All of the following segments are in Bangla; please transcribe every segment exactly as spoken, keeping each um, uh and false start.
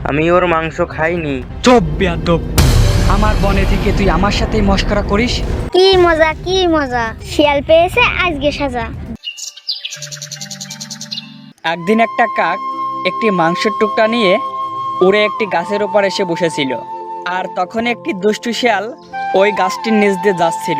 আমি ওর মাংস খাইনি। চুপ বেয়াদব, আমার বনে থেকে তুই আমার সাথেই মশকরা করিস? কি মজা কি মজা, শিয়াল পেয়েছে আজকে সাজা। একদিন একটা কাক একটি মাংসের টুকরা নিয়ে উড়ে একটি গাছের উপর এসে বসেছিল। আর তখন একটি দুষ্টু শিয়াল ওই গাছটির নিচ দিয়ে যাচ্ছিল।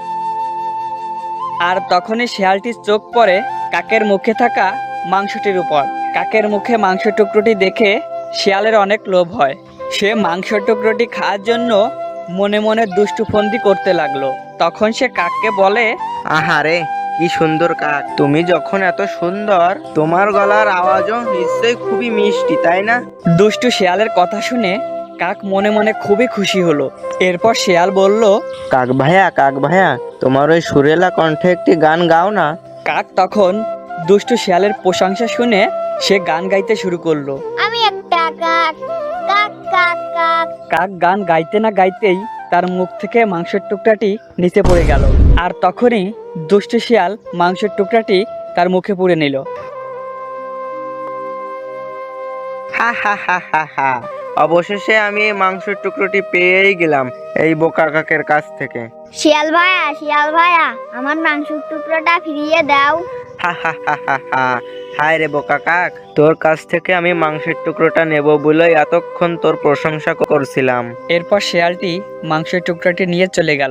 আর তখনই শিয়ালটির চোখ পড়ে কাকের মুখে থাকা মাংসটির উপর। কাকের মুখে মাংস টুকরোটি দেখে শিয়ালের অনেক লোভ হয়। সে মাংস টুকরোটি খাওয়ার জন্য মনে মনে দুষ্টু ফন্দি করতে লাগলো। তখন সে কাককে বলে, আহারে কি সুন্দর কাক, তুমি যখন এত সুন্দর, তোমার গলার আওয়াজও নিশ্চয়ই খুবই মিষ্টি, তাই না? দুষ্টু শিয়ালের কথা শুনে কাক মনে মনে খুবই খুশি হলো। এরপর শিয়াল বলল, কাক ভাইয়া কাক ভাইয়া তোমার ওই সুরেলা কণ্ঠে একটি গান গাও না। কাক তখন দুষ্টু শিয়ালের প্রশংসা শুনে সে গান গাইতে শুরু করলো। আমি একটা কাক, কাক কাক কাক। কাক গান গাইতে না গাইতেই তার মুখ থেকে মাংসের টুকরাটি নিচে পড়ে গেল। আর তখনই দুষ্টু শিয়াল মাংসের টুকরাটি তার মুখে পুরে নিল। হা হা হা হা হা, অবশেষে আমি এই মাংসের টুকরোটি পেয়েই গেলাম এই বোকা কাকের কাছ থেকে। শিয়াল ভাইয়া শিয়াল ভাইয়া, আমার মাংসের টুকরোটা ফিরিয়ে দাও। হা হা হা হা হা, হায় রে বোকা কাক, তোর কাছ থেকে আমি মাংসের টুকরোটা নেব বলেই এতক্ষণ তোর প্রশংসা করছিলাম। এরপর শিয়ালটি মাংসের টুকরাটি নিয়ে চলে গেল।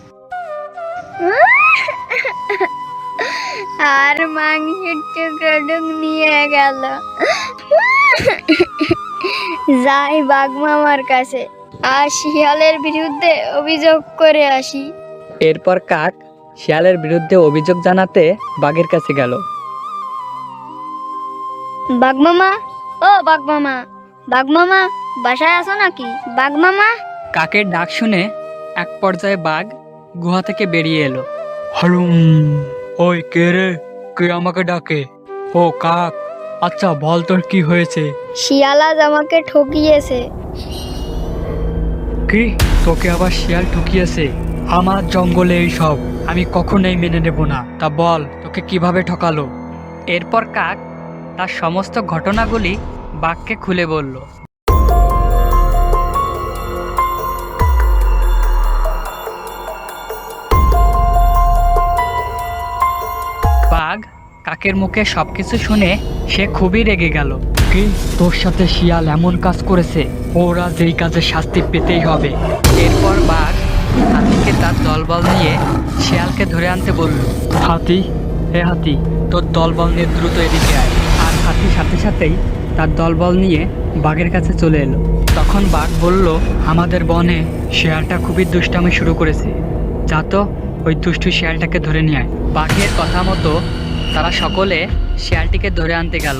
আর মাংসের টুকরোটুক নিয়ে গেল। যাই বাঘ মামার কাছে আর শিয়ালের বিরুদ্ধে অভিযোগ করে আসি। এরপর কাক শিয়ালের বিরুদ্ধে অভিযোগ জানাতে বাঘের কাছে গেল। বাঘ মামা, ও বাঘ মামা, বাঘ মামা বাসায় আছো নাকি? বাঘ মামা। কাকের ডাক শুনে এক পর্যায়ে বাঘ গুহা থেকে বেরিয়ে এলো। হালুম, ওই কে রে? কে আমাকে ডাকে? ও কাক, আচ্ছা বল তোর কি হয়েছে? শিয়াল আজ আমাকে ঠকিয়েছে। কি, তোকে আবার শিয়াল ঠকিয়েছে? আমার জঙ্গলে এই সব আমি কখনোই মেনে নেব না। তা বল তোকে কিভাবে ঠকালো? এরপর কাক তার সমস্ত ঘটনাগুলি বাঘকে খুলে বলল। বাঘ কাকের মুখে সবকিছু শুনে সে খুবই রেগে গেল। কি, তোর সাথে শিয়াল এমন কাজ করেছে? ওরা যেই কাজে শাস্তি পেতেই হবে। এরপর বাঘ হাতিকে তার দলবল নিয়ে শিয়ালকে ধরে আনতে বলল। হাতি, হে হাতি, তোর দলবল নিয়ে দ্রুত এদিকে আয়। আর হাতি সাথে সাথেই তার দলবল নিয়ে বাঘের কাছে চলে এলো। তখন বাঘ বলল, আমাদের বনে শিয়ালটা খুবই দুষ্টামি শুরু করেছে, যা তো ওই দুষ্টু শিয়ালটাকে ধরে নিয়ে আয়। বাঘের কথা মতো তারা সকলে শিয়ালটিকে ধরে আনতে গেল।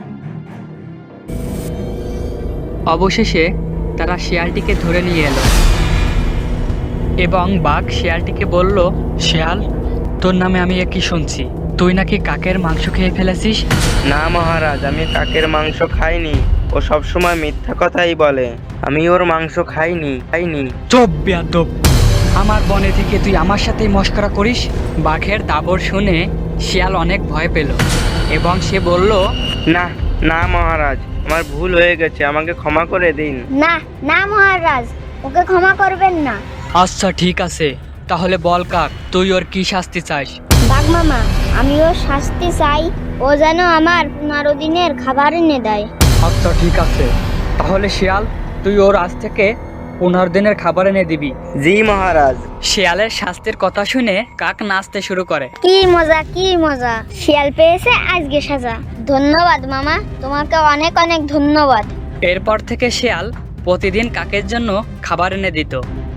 অবশেষে তারা শিয়ালটিকে ধরে নিয়ে এলো এবং বাঘ শিয়ালটিকে বলল, শিয়াল, তোর নামে আমি কি শুনছি, তুই নাকি কাকের মাংস খেয়ে ফেলেছিস? না মহারাজ, আমি কাকের মাংস খাইনি। ও সবসময় মিথ্যা কথাই বলে। আমি ওর মাংস খাইনি খাইনি চুপ বেয়াদব, আমার বনে থেকে তুই আমার সাথেই মশকরা করিস? বাঘের দাবর শুনে শিয়াল অনেক ভয় পেল এবং সে বলল, না না মহারাজ, আমার ভুল হয়ে গেছে, আমাকে ক্ষমা করে দিন। না না মহারাজ, ওকে ক্ষমা করবেন না। আচ্ছা ঠিক আছে, তাহলে বল কাক, তুই ওর কি শাস্তি চাস? বাঘ মামা, আমি ওর শাস্তি চাই, ও যেন আমার পনেরো দিনের খাবার এনে দেয়। আচ্ছা ঠিক আছে, তাহলে শিয়াল, তুই ওর আজ থেকে পনেরো দিনের খাবার এনে দিবি। জি মহারাজ। শিয়ালের শাস্তির কথা শুনে কাক নাচতে শুরু করে। কি মজা কি মজা, শিয়াল পেয়েছে আজকে সাজা। ধন্যবাদ মামা, তোমাকে অনেক অনেক ধন্যবাদ। এরপর থেকে শিয়াল প্রতিদিন কাকের জন্য খাবার এনে দিত।